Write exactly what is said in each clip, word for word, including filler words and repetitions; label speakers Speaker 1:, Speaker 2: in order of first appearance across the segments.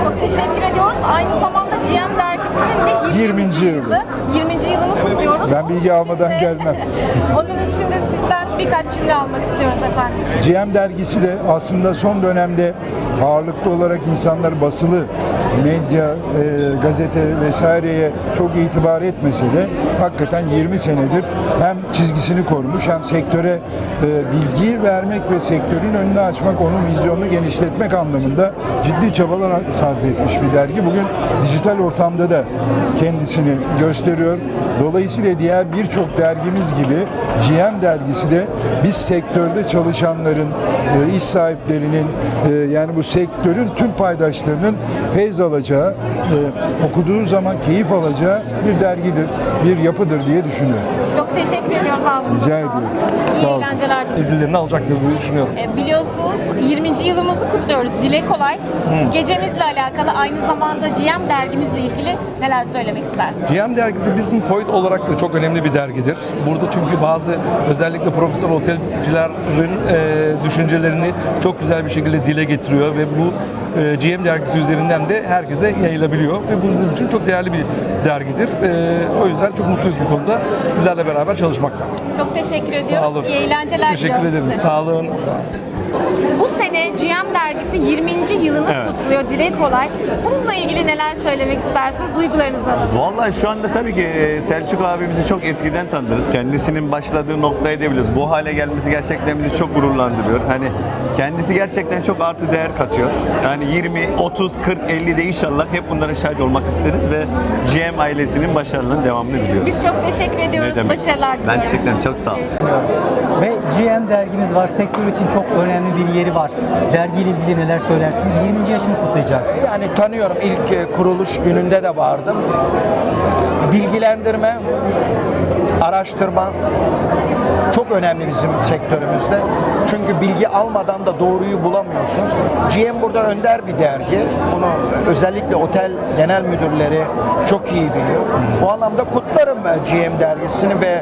Speaker 1: Çok teşekkür ediyoruz. Aynı zamanda G M dergisinin de
Speaker 2: yirminci yılı.
Speaker 1: yirminci yılını kutluyoruz.
Speaker 2: Ben bilgi
Speaker 1: Onun
Speaker 2: almadan
Speaker 1: için de-
Speaker 2: gelmem.
Speaker 1: Onun için de sizden birkaç cümle almak istiyoruz efendim.
Speaker 2: G M dergisi de aslında son dönemde ağırlıklı olarak insanlar basılı medya, e, gazete vesaireye çok itibar etmese de hakikaten yirmi senedir hem çizgisini korumuş hem sektöre e, bilgi vermek ve sektörün önünü açmak, onun vizyonunu genişletmek anlamında ciddi çabalar sarf etmiş bir dergi. Bugün dijital ortamda da kendisini gösteriyor. Dolayısıyla diğer birçok dergimiz gibi G M dergisi de biz sektörde çalışanların, e, iş sahiplerinin e, yani bu sektörün tüm paydaşlarının feyz alacağı, e, okuduğu zaman keyif alacağı bir dergidir, bir yapıdır diye düşünüyorum.
Speaker 1: Çok teşekkür ediyoruz ağzınıza
Speaker 2: Rica
Speaker 1: sağlık.
Speaker 2: ediyorum.
Speaker 1: İyi
Speaker 2: Sağ olun.
Speaker 1: eğlenceler diliyorum.
Speaker 3: ödüllerini alacaktır diye düşünüyorum.
Speaker 1: E, biliyorsunuz yirminci yılımızı kutluyoruz. Dile kolay. Gecemizle alakalı, aynı zamanda G M dergimizle ilgili neler söylemek istersiniz?
Speaker 3: G M dergisi bizim Point olarak da çok önemli bir dergidir. Burada çünkü bazı özellikle profesyonel otelcilerin e, düşüncelerini çok güzel bir şekilde dile getiriyor ve bu e, G M dergisi üzerinden de herkese yayılabiliyor ve bu bizim için çok değerli bir dergidir. E, o yüzden çok mutluyuz bu konuda sizlerle beraber çalışmaktan.
Speaker 1: Çok teşekkür
Speaker 3: Sağ
Speaker 1: ediyoruz.
Speaker 3: olun.
Speaker 1: İyi eğlenceler
Speaker 3: Teşekkür
Speaker 1: diliyoruz
Speaker 3: ederim.
Speaker 1: size.
Speaker 3: Sağ olun.
Speaker 1: Bu sene G M dergisi yirminci yılını
Speaker 4: Evet.
Speaker 1: kutluyor. Dile kolay. Bununla ilgili neler söylemek istersiniz? Duygularınızı alalım.
Speaker 4: Vallahi şu anda tabii ki e, Selçuk abimizi çok eskiden tanırız. Kendisinin başladığı noktayı da biliriz. Bu hale gelmesi gerçekten bizi çok gururlandırıyor. Hani kendisi gerçekten çok artı değer katıyor. Yani yirmi, otuz, kırk, elli de inşallah hep bunlara şahit olmak isteriz ve G M ailesinin başarılarının devamını diliyoruz.
Speaker 1: Biz çok teşekkür ediyoruz.
Speaker 4: Ne demek?
Speaker 1: Başarılar diliyorum.
Speaker 4: Ben teşekkür ederim. Çok sağ olun.
Speaker 5: Ve G M dergimiz var. Sektör için çok önemli bir yeri var. Dergiyle ilgili neler söylersiniz? yirminci yaşını kutlayacağız.
Speaker 6: Yani tanıyorum, ilk e, kuruluş gününde de vardım. Bilgilendirme, araştırma çok önemli bizim sektörümüzde. Çünkü bilgi almadan da doğruyu bulamıyorsunuz. G M burada önder bir dergi. Bunu özellikle otel genel müdürleri çok iyi biliyor. Bu anlamda kutlarım ben G M dergisini ve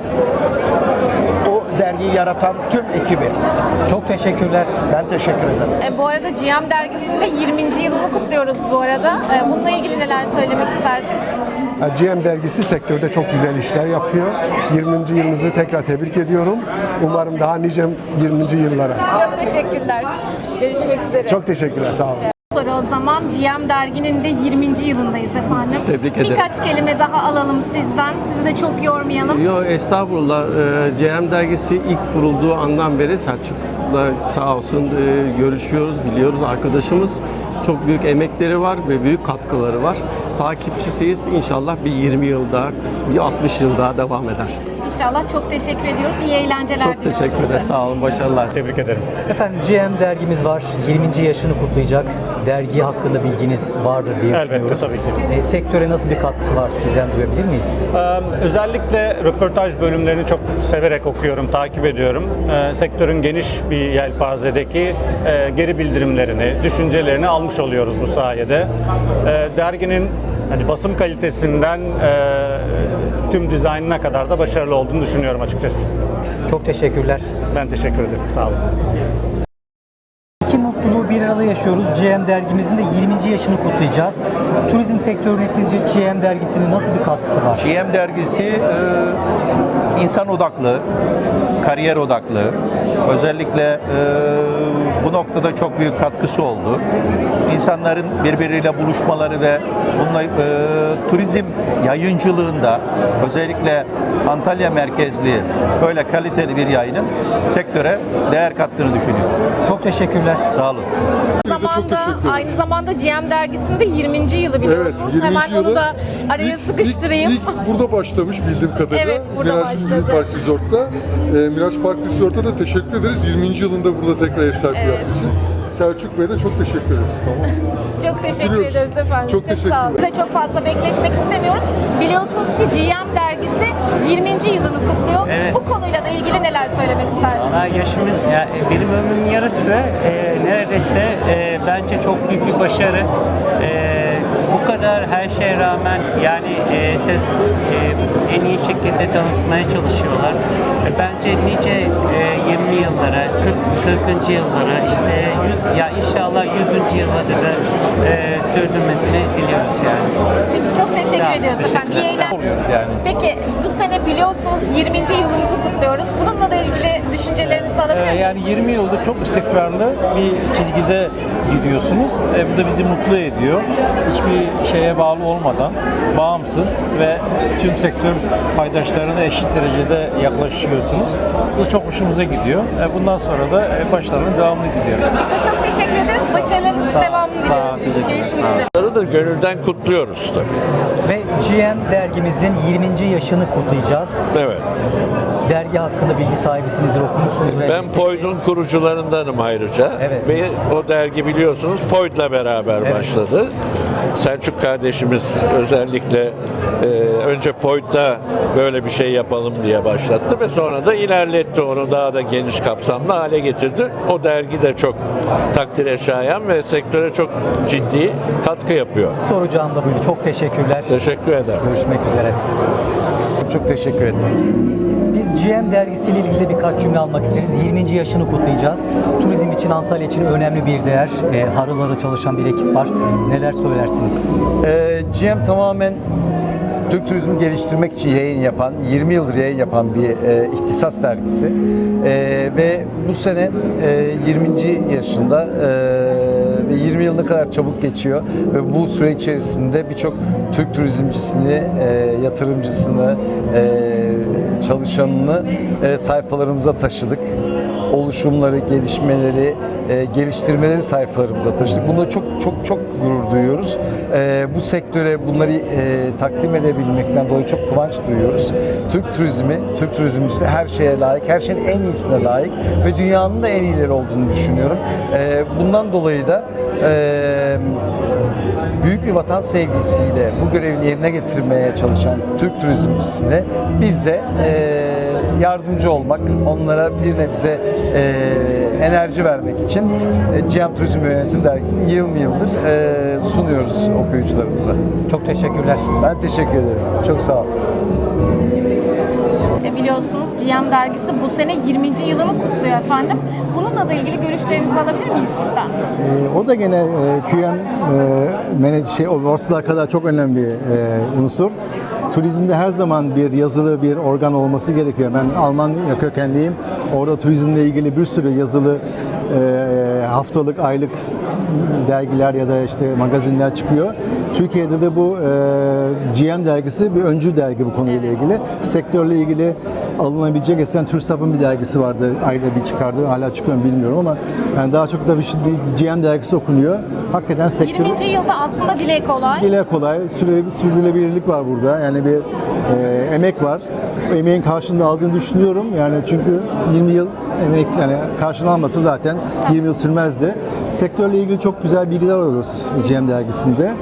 Speaker 6: o dergiyi yaratan tüm ekibi.
Speaker 5: Çok teşekkürler.
Speaker 6: Ben teşekkür ederim.
Speaker 1: E, bu arada G M dergisinde yirminci yılını kutluyoruz bu arada. E, bununla ilgili neler söylemek istersiniz?
Speaker 7: G M dergisi sektörde çok güzel işler yapıyor. yirminci yılınızı tekrar tebrik ediyorum. Umarım daha nice yirminci yıllara.
Speaker 1: Çok teşekkürler. Görüşmek üzere.
Speaker 7: Çok teşekkürler, sağ olun.
Speaker 1: Soru o zaman G M derginin de yirminci yılındayız efendim.
Speaker 8: Tebrik ederim.
Speaker 1: Birkaç kelime daha alalım sizden. Sizi de çok yormayalım.
Speaker 8: Yo estağfurullah. Ee, G M dergisi ilk kurulduğu andan beri Selçuk'la sağ olsun e, görüşüyoruz, biliyoruz, arkadaşımız. Çok büyük emekleri var ve büyük katkıları var. Takipçisiyiz. İnşallah bir yirmi yıl daha, bir altmış yıl daha devam eder.
Speaker 1: İnşallah. Çok teşekkür ediyoruz. İyi eğlenceler
Speaker 8: Çok
Speaker 1: diliyoruz
Speaker 8: teşekkür
Speaker 1: size.
Speaker 8: ederim. Sağ olun. Başarılar.
Speaker 4: Tebrik ederim.
Speaker 5: Efendim G M dergimiz var. yirminci yaşını kutlayacak. Dergi hakkında bilginiz vardır diye
Speaker 9: Elbette,
Speaker 5: düşünüyoruz.
Speaker 9: tabii ki.
Speaker 5: E, sektöre nasıl bir katkısı var? Sizden duyabilir miyiz?
Speaker 9: Ee, Özellikle röportaj bölümlerini çok severek okuyorum, takip ediyorum. Ee, Sektörün geniş bir yelpazedeki e, geri bildirimlerini, düşüncelerini almış oluyoruz bu sayede. Ee, Derginin hani basım kalitesinden e, tüm dizaynına kadar da başarılı olduğunu düşünüyorum açıkçası.
Speaker 5: Çok teşekkürler.
Speaker 9: Ben teşekkür ederim. Sağ olun.
Speaker 5: İki mutluluğu bir arada yaşıyoruz. G M dergimizin de yirminci yaşını kutlayacağız. Turizm sektörüne sizce G M dergisinin nasıl bir katkısı var?
Speaker 10: G M dergisi e, insan odaklı, kariyer odaklı. Özellikle e, bu noktada çok büyük katkısı oldu. İnsanların birbiriyle buluşmaları ve bununla e, turizm yayıncılığında özellikle Antalya merkezli böyle kaliteli bir yayının sektöre değer kattığını düşünüyorum.
Speaker 5: Çok teşekkürler.
Speaker 10: Sağ olun.
Speaker 1: Zamanda, aynı zamanda G M dergisinde yirminci yılı biliyorsunuz.
Speaker 7: yirminci
Speaker 1: Hemen onu
Speaker 7: yılı
Speaker 1: da araya
Speaker 7: İlk-
Speaker 1: sıkıştırayım.
Speaker 7: İlk, ilk burada başlamış bildiğim kadarıyla.
Speaker 1: Evet, burada
Speaker 7: Miraç
Speaker 1: başladı.
Speaker 7: Park Resort'ta. E, Miraç Park Resort'ta da teşekkür ederiz. yirminci yılında burada tekrar ev sahipliği
Speaker 1: Evet.
Speaker 7: yapmışsın. Selçuk Bey'e de çok teşekkür ederiz. Tamam.
Speaker 1: Çok teşekkür
Speaker 7: Bitiriyoruz.
Speaker 1: ederiz efendim.
Speaker 7: Çok
Speaker 1: sağ olun.
Speaker 7: teşekkürler.
Speaker 1: Size çok fazla bekletmek istemiyoruz. Biliyorsunuz ki G M dergisi yirminci yılını kutluyor.
Speaker 11: Evet.
Speaker 1: Bu konuyla da ilgili neler söylemek istersiniz?
Speaker 11: Valla yaşımız, ya, benim ömrümün yarısı e, neredeyse e, bence çok büyük bir başarı. E, bu bu kadar her şeye rağmen yani e, te- e, en iyi şekilde tanıtmaya çalışıyorlar. E, bence nice e, yirmi yıllara, kırk, kırkıncı yıllara, işte yüz, ya inşallah yüzüncü yıla da e, sürdürmesini diliyoruz yani.
Speaker 1: Peki çok teşekkür
Speaker 11: Tamam,
Speaker 1: ediyoruz
Speaker 11: teşekkür
Speaker 1: efendim. İyi
Speaker 11: ederim.
Speaker 1: eğlenceler. Peki bu sene biliyorsunuz yirminci yılımızı kutluyoruz. Bununla da ilgili düşüncelerinizi alabilir
Speaker 12: Ee,
Speaker 1: miyim?
Speaker 12: Yani yirmi yıldır çok istikrarlı bir çizgide gidiyorsunuz. E, bu da bizi mutlu ediyor. Hiçbir şeye bağlı olmadan bağımsız ve tüm sektör paydaşlarına eşit derecede yaklaşıyorsunuz. Bu da çok hoşumuza gidiyor. E, bundan sonra da e, başlarının devamını diliyorum.
Speaker 1: Size çok teşekkür ederiz. Başarılarınızın devamını
Speaker 12: sağ olun,
Speaker 1: diliyoruz.
Speaker 12: teşekkür ederim.
Speaker 1: Görüşmek üzere.
Speaker 13: da gönülden kutluyoruz tabii.
Speaker 5: Ve G M dergimizin yirminci yaşını kutlayacağız.
Speaker 13: Evet.
Speaker 5: Dergi hakkında bilgi sahibisinizdir, okumuşsunuzdur.
Speaker 13: Ben
Speaker 5: elbette ki.
Speaker 13: Poyd'un kurucularındanım ayrıca.
Speaker 5: Evet.
Speaker 13: Ve o dergi biliyorsunuz Poyd'la beraber
Speaker 5: Evet.
Speaker 13: başladı. Selçuk kardeşimiz özellikle e, önce Poyd'da böyle bir şey yapalım diye başlattı ve sonra da ilerletti, onu daha da geniş kapsamlı hale getirdi. O dergi de çok takdire şayan ve sektöre çok ciddi katkı yapıyor.
Speaker 5: Soracağım da buydu. Çok teşekkürler.
Speaker 13: Teşekkür ederim.
Speaker 5: Görüşmek üzere.
Speaker 6: Çok teşekkür ederim.
Speaker 5: Biz G M dergisiyle ilgili birkaç cümle almak isteriz. yirminci yaşını kutlayacağız. Turizm için, Antalya için önemli bir değer. E, harıl harıl çalışan bir ekip var. Neler söylersiniz?
Speaker 14: Ee, G M tamamen Türk turizmi geliştirmek için yayın yapan, yirmi yıldır yayın yapan bir e, ihtisas dergisi. E, ve bu sene e, yirminci yaşında e, ve yirmi yıl ne kadar çabuk geçiyor ve bu süre içerisinde birçok Türk turizmcisini, e, yatırımcısını, e, çalışanını e, sayfalarımıza taşıdık. Oluşumları, gelişmeleri, e, geliştirmeleri sayfalarımıza taşıdık. Bunda çok çok çok gurur duyuyoruz. E, bu sektöre bunları e, takdim edebilmekten dolayı çok kıvanç duyuyoruz. Türk turizmi, Türk turizmcisi her şeye layık, her şeyin en iyisine layık ve dünyanın da en iyileri olduğunu düşünüyorum. E, bundan dolayı da e, büyük bir vatan sevgisiyle bu görevini yerine getirmeye çalışan Türk turizmcisine biz de e, yardımcı olmak, onlara bir nebze e, enerji vermek için e, G M Turizm ve Yönetim Dergisi'ni yıl yıldır e, sunuyoruz okuyucularımıza.
Speaker 5: Çok teşekkürler.
Speaker 14: Ben teşekkür ederim. Çok sağ olun.
Speaker 1: E, Biliyorsunuz G M dergisi bu sene yirminci yılını kutluyor efendim. Bununla da ilgili görüşlerinizi alabilir miyiz sizden?
Speaker 15: Ee, o da gene e, Q M e, manage, şey, o borsada kadar çok önemli bir e, unsur. Turizmde her zaman bir yazılı bir organ olması gerekiyor. Ben Alman kökenliyim. Orada turizmle ilgili bir sürü yazılı e, haftalık, aylık dergiler ya da işte magazinler çıkıyor. Türkiye'de de bu e, G M dergisi bir öncü dergi bu konuyla ilgili. Sektörle ilgili alınabilecek, eskiden TÜRSAP'ın bir dergisi vardı. Ayda bir çıkardı. Hala çıkıyor mu bilmiyorum ama yani daha çok da bir, bir G M dergisi okunuyor. Hakikaten sektör...
Speaker 1: yirminci yılda aslında dile kolay.
Speaker 15: Dile kolay. Süre, sürdürülebilirlik var burada. Yani bir e, emek var. O emeğin karşılığını aldığını düşünüyorum. Yani çünkü yirmi yıl emek, yani karşılığını almasa zaten yirmi yıl sürmezdi. Sektörle ilgili çok güzel bilgiler alıyoruz G M dergisinde.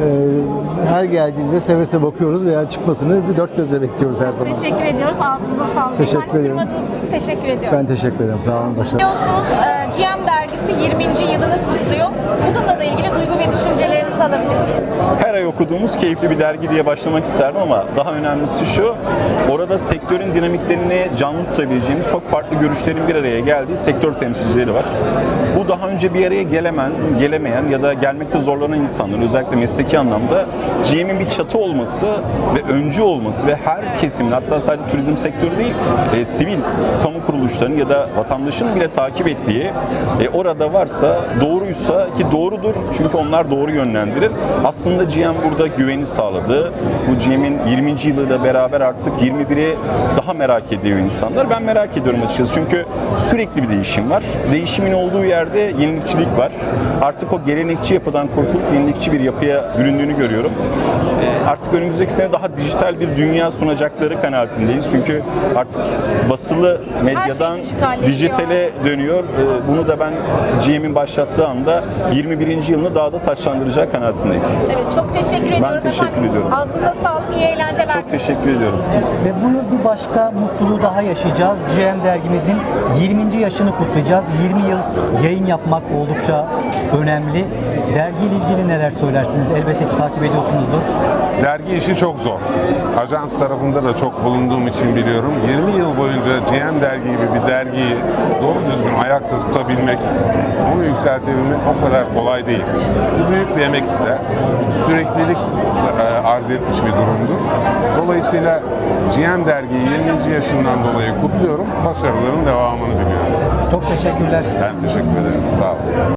Speaker 15: Her geldiğinde seve seve bakıyoruz veya çıkmasını bir dört gözle bekliyoruz her zaman.
Speaker 1: Teşekkür ediyoruz. Ağzınıza sağlık.
Speaker 15: Teşekkür
Speaker 1: Efendim,
Speaker 15: ederim.
Speaker 1: kırmadınız bizi. Teşekkür ediyorum.
Speaker 15: Ben teşekkür ederim. Sağ olun. Başarılar.
Speaker 1: Biliyorsunuz e, G M dergisi yirminci yılını kutluyor. Bununla da ilgili duygu ve düşüncelerinizi alabilir miyiz?
Speaker 16: Her ay okuduğumuz keyifli bir dergi diye başlamak isterdim ama daha önemlisi şu, orada sektörün dinamiklerini canlı tutabileceğimiz çok farklı görüşlerin bir araya geldiği sektör temsilcileri var. Bu daha önce bir araya gelemen, gelemeyen ya da gelmekte zorlanan insanların özellikle mesleki anlamda G M'in bir çatı olması ve öncü olması ve her kesimin, hatta sadece turizm sektörü değil, e, sivil kamu kuruluşlarının ya da vatandaşın bile takip ettiği, e, orada varsa, doğruysa ki doğrudur çünkü onlar doğru yönlendirir. Aslında G M burada güveni sağladı. Bu G M'in yirminci yılıyla beraber artık yirmi biri daha merak ediyor insanlar. Ben merak ediyorum açıkçası çünkü sürekli bir değişim var. Değişimin olduğu yerde yenilikçilik var. Artık o gelenekçi yapıdan kurtulup yenilikçi bir yapıya büründüğünü görüyorum. E, artık önümüzdeki sene daha dijital bir dünya sunacakları kanaatindeyiz. Çünkü artık basılı medyadan
Speaker 1: şey
Speaker 16: dijitale dönüyor. E, bunu da ben G M'in başlattığı anda yirmi birinci yılını daha da taçlandıracak kanaatindeyim.
Speaker 1: Evet, çok teşekkür ediyorum
Speaker 16: teşekkür
Speaker 1: efendim.
Speaker 16: ediyorum.
Speaker 1: Ağzınıza sağlık, iyi eğlenceler.
Speaker 16: Çok teşekkür ediyorum.
Speaker 5: Ve bu yıl bir başka mutluluğu daha yaşayacağız. G M dergimizin yirminci yaşını kutlayacağız. yirmi yıl yayın yapmak oldukça önemli. Dergiyle ilgili neler söylersiniz? Elbette ki takip ediyorsunuzdur.
Speaker 17: Dergi işi çok zor. Ajans tarafında da çok bulunduğum için biliyorum. yirmi yıl boyunca G M dergi gibi bir dergiyi doğru düzgün ayakta tutabilmek, onu yükseltebilmek o kadar kolay değil. Bu büyük bir emek ister. Süreklilik e, arz etmiş bir durumdur. Dolayısıyla G M dergiyi yirminci yaşından dolayı kutluyorum. Başarıların devamını diliyorum.
Speaker 5: Çok teşekkürler.
Speaker 17: Ben teşekkür ederim. Sağ olun.